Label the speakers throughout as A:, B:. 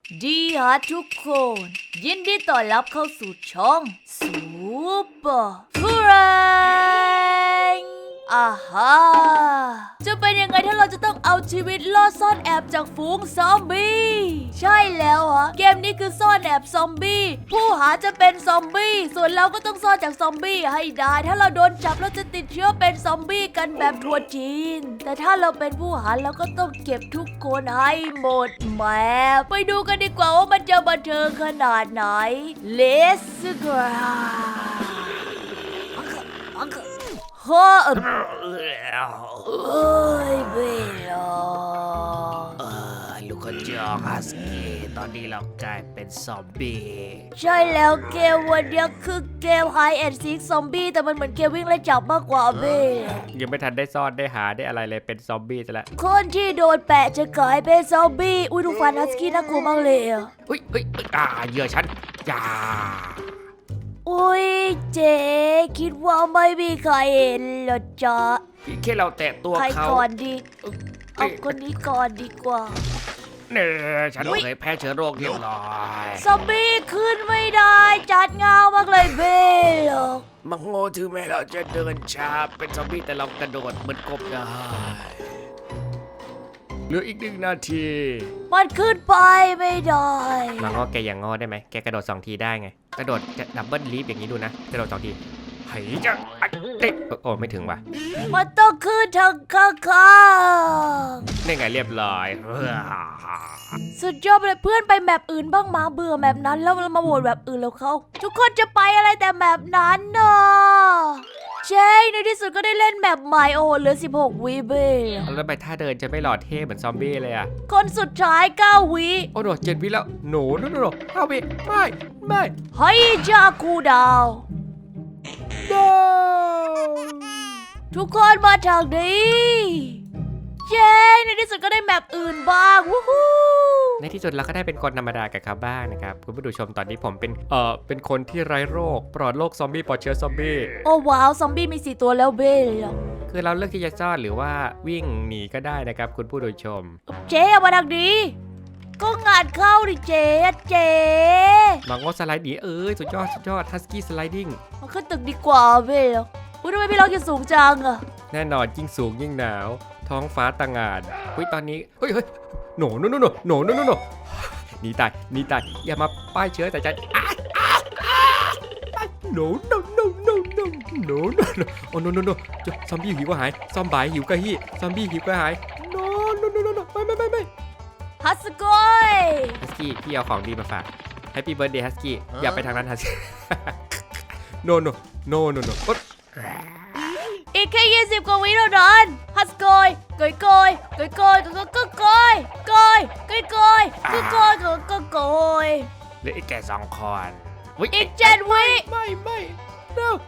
A: ดีฮะทุกคนยินดีต้อนรับเข้าสู่ช่องซูเปอร์ฟรนอาฮาจะเป็นยังไงถ้าเราจะต้องเอาชีวิตรอดซ่อนแอบจากฝูงซอมบี้ใช่แล้วฮะเกมนี้คือซ่อนแอบซอมบี้ผู้หาจะเป็นซอมบี้ส่วนเราก็ต้องซ่อนจากซอมบี้ให้ได้ถ้าเราโดนจับเราจะติดเชื้อเป็นซอมบี้กันแบบทัวร์จีนแต่ถ้าเราเป็นผู้หาเราก็ต้องเก็บทุกคนให้หมดแหมไปดูกันดีกว่าว่ามันจะบันเทิงขนาดไหน Let's go เฮ้ยเบล
B: ลูกกระจอกฮัสกี้ตอนนี้เรากลายเป็นซอมบี้
A: ใช่แล้วเกมวันนี้คือเกม Hide and Seek ซอมบี้แต่มันเหมือนเกมวิ่งไล่จับมากกว่าเบล
B: ยังไม่ทันได้ซ่อนได้หาได้อะไรเลยเป็นซอมบี้ซะแล้ว
A: คนที่โดนแปะจะกลายเป็นซอมบี้อุ้ยดูฟันฮัสกี้น่ากลัวมากเลยอ่ะ
B: อุ้ยเหยื่อฉันอย่า
A: อุ้ยเจ๊คิดว่าไม่มีใครเห็นเหรอจ๊ะ
B: พี่แค่เราแตะตัว
A: ใคร
B: เขา
A: ก่อนดีเอาคนนี้ก่อนดีกว่า
B: เนี่ยฉันเคยแพ้เชื้อโรคเรียบร้อย
A: ซอมบี้ขึ้นไม่ได้จัดเงามากเลยเบล
B: มังโง่ถึงแม้เราจะเดินช้าเป็นซอมบี้แต่เรากระโดดเหมือนกบได้เหลืออีก1 นาที
A: มันขึ้นไปไม่ได้
B: มังโง่แกอย่างงอได้ไหมแกกระโดด2 ทีได้ไงกระโดดดับเบิลลีฟอย่างนี้ดูนะกระโดด2 ทีเฮ้ยจะเด็กโอ้ไม่ถึงว่ะ
A: มันต้องขึ้นทางข้าง
B: นี่ไงเรียบร้อย
A: ๆสุดยอดเลยเพื่อนไปแมปอื่นบ้างมาเบื่อแมปนั้นแล้วเรามาโหวตแบบอื่นแล้วเขาทุกคนจะไปอะไรแต่แมปนั้นเนาะเจ๊ในที่สุดก็ได้เล่นแมปใหม่โอ้โหเหลือ16 วิเบล
B: แล้วไปท่าเดินจะไม่หล่อเท่เหมือนซอมบี้เลยอ่ะ
A: คนสุดท้าย9 วิ
B: โอ้โห7 วิแล้วโน5 วิไม่
A: เฮ้ยจาคูดาว ทุกคนมาทางนี้เย้ในที่สุดก็ได้แมปอื่นบ้างวู้ฮู้
B: ในที่สุดเราก็ได้เป็นคนธรรมดากับเขาบ้างนะครับคุณผู้ชมตอนนี้ผมเป็นคนที่ไร้โรคปลอดโรคซอมบี้ปลอดเชื้อซอมบี้
A: โอ้ว้าวซอมบี้มี4 ตัวแล้วเบล
B: คือเราเลือกที่จะซ่อนหรือว่าวิ่งหนีก็ได้นะครับคุณผู้ชม
A: เจ๊เอามาทางนี้ก็งานเข้าดิเจ๊เจ๊
B: มังโง่สไลด์หนีสุดยอดฮัสกี้สไลดิ้ง
A: มาขึ้นตึกดีกว่าเบลอุ้ยทำไมพี่ล็อกอยู่สูงจังอะ
B: แน่นอนยิ่งสูงยิ่งหนาวท้องฟ้าต่างงานตอนนี้เฮ้ยโนหนีตายอย่ามาป้ายเชื้อแต่ฉันโนโอ้โนซอมบี้หิวก็หายซอมบ่ายหิวก็ฮี่ซอมบี้หิวก็หายโนไม่
A: ฮัสกอย
B: ฮัสกี้พี่เอาของดีมาฝากแฮปปี้เบิร์ดเดย์ฮัสกี้อย่าไปทางนั้นฮัสกี้โน
A: อีกแค่20 กว่าวิเท่านั้นฮัสกอยกอยเห
B: ลืออีกแค่2 คน
A: อีก7 วิ
B: ไม่เร็ว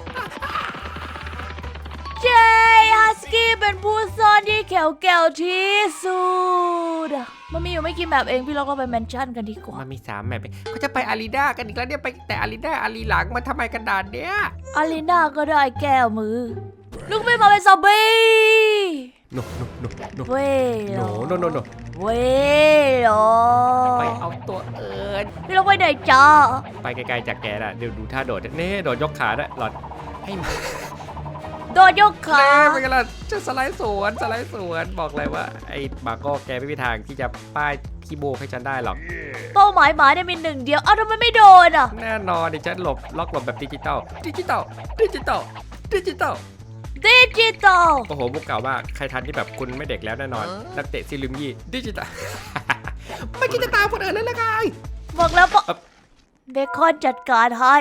A: เจฮัสกี้เป็นผู้ซ่อนที่แข็งที่สุดมันมีอยู่ไม่กี่แบบเองพี่ล็อกเราไปแมนชั่นกันดีกว่า
B: มันมี3 แมปเขาจะไปอารีนากันอีกแล้วเนี่ยไปแต่อารีนาอารีหลังมาทำไมกันดานเนี้ย
A: อารีนาก็ได้แก้วมือลูกไม่มาเป็นซอมบี้
B: โน
A: เว้ย เว้ย
B: ไปเอาตัวเอิญ
A: พี่ล็อกไปไหนจ้า
B: ไปไกลๆจากแกน่ะเดี๋ยวดูท่าโดดเน่โดดยกขาด้วยหลอดให้มา
A: โดนยกขา
B: เป็นกันล่ะจะสไลด์สวนบอกเลยว่าไอ้บาโก้แกไม่มีทางที่จะป้ายขี้โบกให้ฉันได้หรอก
A: เป้าหมายหมาเนี่ยมี1 เดียวเอ้าทำไมไม่โดนอ่ะ
B: แน่นอนดิฉันล็อกหลบแบบดิจิตอลโอ้โหมุกเก่ามากใครทันที่แบบคุณไม่เด็กแล้วแน่นอนนักเตะซิลิมยี่ดิจิตอลไม่คิดจะตามคนอื่นเลยละไง
A: บอกแล้วเบคอนจัดการให้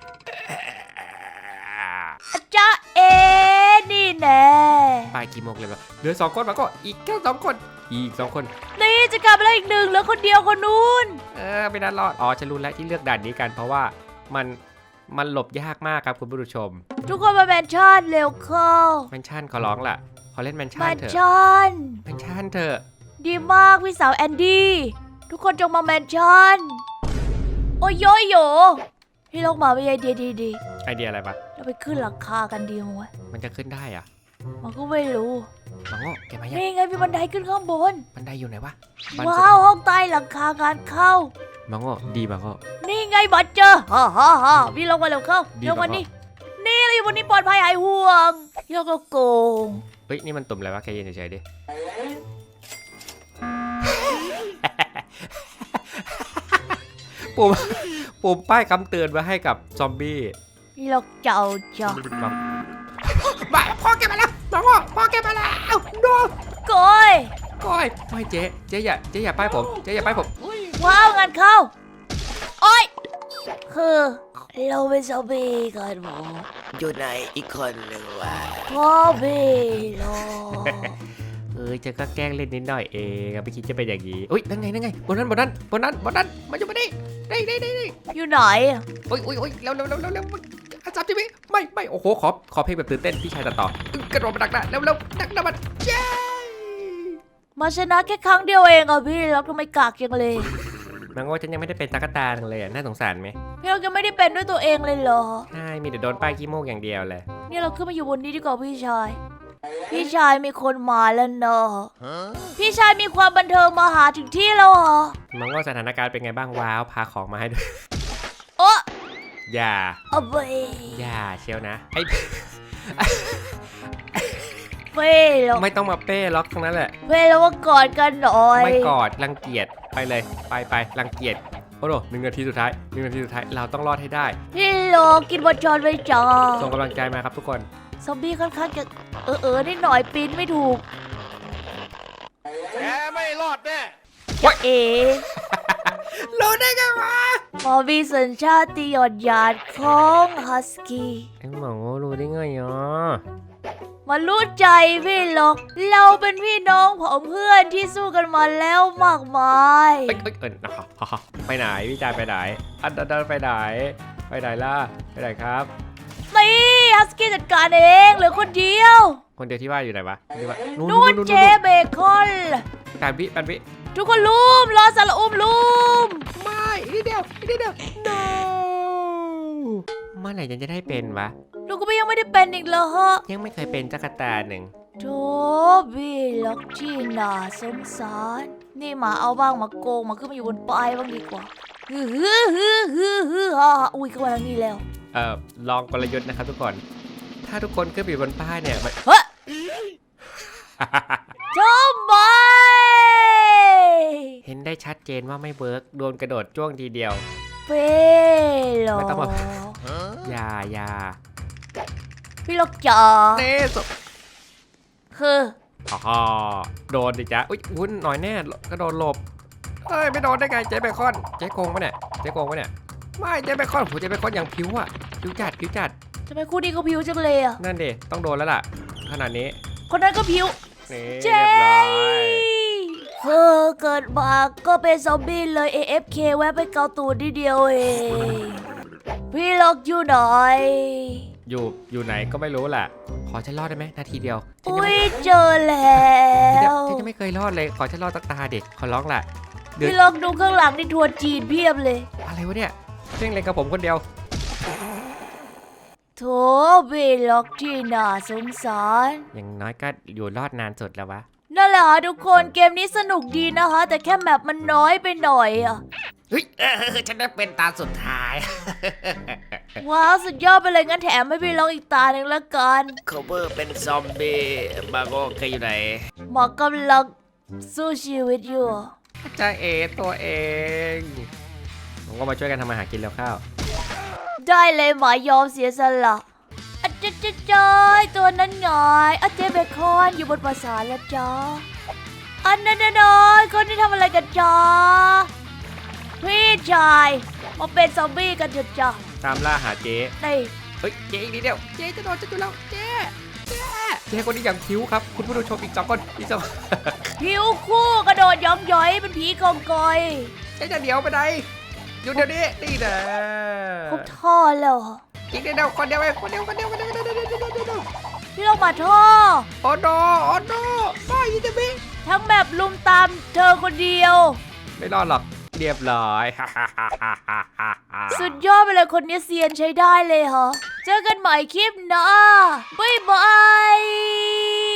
A: จ้านี่แน่
B: ไปกี่โมงเลยวะเหลือ2 คนมาก็อีกแค่2 คนอีก2 คน
A: นี่จะกลับมาแล้วอีก1แล้วคนเดียวคนนู้น
B: ไม่น่ารอดฉันรู้แล้วที่เลือกด่านนี้กันเพราะว่ามันหลบยากมากครับคุณผู้ชม
A: ทุกคนมาแมนชั่นเร็วเข้า
B: แมนชั่นขอร้องล่ะขอเล่นแมน
A: แม
B: ชั่น
A: น
B: เถอะ
A: ชั่น
B: แมนชั่นเถอะ
A: ดีมากพี่สาวแอนดี้ทุกคนจงมาแมนชั่นโอ้ยโยพี่ลงมาไม่ใช่ดี
B: ไอเดียอะไรปะ
A: เราไปขึ้นหลังคากันดีมั้ย
B: มันจะขึ้นได้อะ
A: มันก็ไม่รู้
B: มังโง่แกมายัง
A: นี่ไงมีบันไดขึ้นข้างบน
B: บันไดอยู่ไหนวะ
A: ว้าวห้องใต้หลังคางานเข้า
B: มังโง่ดีมังโง่
A: นี่ไงบัตรเจอฮ่าพี่ลงมาเร็วเข้า
B: ดี
A: ลงมา
B: ปะ
A: นี่นี่เราอยู่บนนี้ปลอดภัยหายห่วงโยกโกง
B: เฮ้ยนี่มันตุ่มอะไรวะแกยืนเฉยๆดิ ปุ่มป้ายคำเตือนมาให้กับซอมบี้
A: พี่ลกเจ้าจ้ะ
B: มาพ่อแกมาแล้วมังโง่พ่อแกมาแล้วโดน
A: ก้อย
B: ก้อยไม่เจ๊อย่าป้ายผมเจ๊อย่าป้ายผม
A: ว้าวงานเข้าโอ้ยคือเราเป็นซอมบี้กันหมอ
C: อยู่ไหนอีกคนหนึ่งวะ
A: พ่อพี่ลก
B: เจ๊ก็แกล้งเล่นนิดหน่อยเองไม่คิดจะเป็นอย่างนี้อุ้ยนั่นไงบนนั้นมาอยู่มาดิได้
A: อยู่ไหนอะ
B: โอ้ยเร็วอาจารย์ทีวีไม่โอ้โหขอเพลงแบบตื่นเต้นพี่ชายตัดต่อกระโดดมาดักหน้าเร็วดักหน้ามันเย้
A: มาชนะแค่ครั้งเดียวเองอ่ะพี่ลกทำไมกากจังเลย
B: มังโง่ฉันยังไม่ได้เป็นตากตาเลยน่าสงสารไหม
A: พี่ลกยังไม่ได้เป็นด้วยตัวเองเลยเหรอ
B: ใช่มีแต่โดนป้ายขี้โมกอย่างเดียวเลย
A: เนี่ยเราขึ้นมาอยู่บนนี้ดีกว่าพี่ชาย พี่ชายมีคนมาแล้วเนอะพี่ชายมีความบันเทิงมาหาถึงที่แล้วเหรอ
B: มังโง่สถานการณ์เป็นไงบ้างว้าวพาของมาให้ด้วย
A: โอ้
B: อย่า
A: เอาไป
B: อย่าเชียวนะไอ
A: เฟ่แล้ว
B: ไม่ต้องมาเป้ล็อกทั้งนั้นแหละ
A: เฟ่แล้วว่ากอดกันหน่อย
B: ไม่กอดรังเกียจไปเลยไปรังเกียจโอ้โห1 นาทีสุดท้ายเราต้องรอดให้ได้
A: พี่โลกินบอลจอนไปจ้า
B: ส่งกำลังใจมาครับทุกคน
A: ซอมบี้ค่อนข้างจะนิดหน่อยปีนไม่ถูก
C: แกไม่รอดแน่
A: จะเอ๋
B: รู้ได้ไงวะ
A: พอมีสัญชาติหยดหยาดของฮัสกี้
B: ไอ้หมอรู้ได้ไงอ่ะ
A: มารู้ใจพี่หรอกเราเป็นพี่น้องของเพื่อนที่สู้กันมาแล้วมากมาย
B: ไปไหนพี่จายไปไหนอันดันไปไหนล่ะไปไหนครับ
A: นี่ฮัสกี้จัดการเองเหลือคนเดียว
B: คนเดียวที่ว่าอยู่ไหนวะ
A: นู่นเจเบคอน
B: ปันวิ
A: ทุกคนลุมรอสารอุ้มลุม
B: ไม่นิดเดียว no เมื่อไหร่จะได้เป็นวะ
A: ลูกก็ยังไม่ได้เป็นอีกเหรอฮะ
B: ยังไม่เคยเป็นจักรตาหนึ่ง
A: โธ่พี่ล็อกที่น่าสงสารนี่มาเอาบ้างมาโกงมาขึ้นมาอยู่บนป้ายบ้างดีกว่าฮือฮ่าอุ้ยเข้ามาทางนี้แล้ว
B: ลองกลยุทธ์นะครับทุกคน ถ้าทุกคนขึ้นไปบนป้ายเนี่ยมัน
A: เฮ้ยทำไม
B: เห็นได้ชัดเจนว่าไม่เวิร์กโดนกระโดดจ้วงทีเดียว
A: เป้หรอ
B: ไม่ต้องมา อย่า
A: พี่ล็อกจ๋า
B: เน่สุด
A: คือ
B: โดนดิจ๊ะอุ้ยวุ้นหน่อยแน่กระโดดหลบเฮ้ยไม่โดนได้ไงเจ๊เบคอนเจ๊โกงปะเนี่ยไม่เจ๊เบคอนเจ๊เบคอนอย่างผิวอ่ะผิวจัด
A: ทำไมคู่นี้เขาผิวจังเลยอ่ะ
B: นั่นดิต้องโดนแล้วล่ะขนาดนี้
A: คนนั้นก็ผิว
B: นี่
A: เจ๊
B: เรียบร้อย
A: เกิดมาก็เป็นซอมบี้เลย AFK แวะไปเกาตูดนิดเดียวเองพี่ล็อกอยู่ไหน
B: อยู่ไหนก็ไม่รู้แหละขอฉันรอดได้ไหมนาทีเดียวฉัน
A: อุ้
B: ยัง
A: ย
B: ไม่
A: เจอแล้ว
B: ฉันยังไม่เคยรอดเลยขอฉันรอดสักตาเด็กขอร้องล่ะ
A: พี่ล็อกดูข้างหลังนี่ทัวร์จีนเพียบเลย
B: อะไรวะเนี่ยเพ่งเล็งกับผมคนเดียว
A: โถพี่ล็อกที่น่าสงสาร
B: อย่างน้อยก็อยู่รอดนานสุดแล้ววะ
A: นั่นแหละค่ะทุกคนเกมนี้สนุกดีนะคะ แต่แค่แมปมันน้อยไปหน่อยอ่ะ
C: เฮ้ยฉันได้เป็นตาสุดท้าย
A: ว้าวสุดยอดไปเลยงั้นแถมให้พี่ล็อกอีกตาหนึ่งละกัน
C: โคเวอร์เป็นซอมบี้บาโก้เคยอยู่ไหน
A: หมอกำลังสู้ชีวิตอยู่
B: จ้าเอตัวเองผมก็มาช่วยกันทำอาหารกินแล้วข้าว
A: ได้เลยหมายอมเสียสละอาจจะจ้อยตัวนั้นไงอาเจเบคอนอยู่บนปราสาทแล้วจ้าอันนั้นน้อยคนที่ทำอะไรกันจ้าพี่ชายมาเป็นซอมบี้กันเถอะจ้า
B: ตามล่าหาเจ๊
A: นี่
B: เฮ้ยเจ๊อีกนิดเดียวเจ๊จะโดนจะอยู่แล้วเจ๊คนนี้อย่างคิ้วครับคุณผู้ชมอีก2 คนอีก2
A: ผิวคู่กระโดดย้อมย้อยเป็นผีกองกอย
B: เจ๊จะเดี๋ยวไปไหนอยู่เดี๋ยวนี้นี่นะ
A: ครบท่อแล้วเหรอ
B: อีกนิดเดียวคนเดียวเองคนเดียว
A: พี่ลงมาท่อ
B: โอ้โนไม่ยินจะมี
A: ทั้งแบบลุมตามเธอคนเดียว
B: ไม่รอดหรอกเรียบร้อย
A: สุดยอดไปเลยคนนี้เซียนใช้ได้เลยเหรอ จเจอกันใหม่คลิปหน้าบ๊ายบาย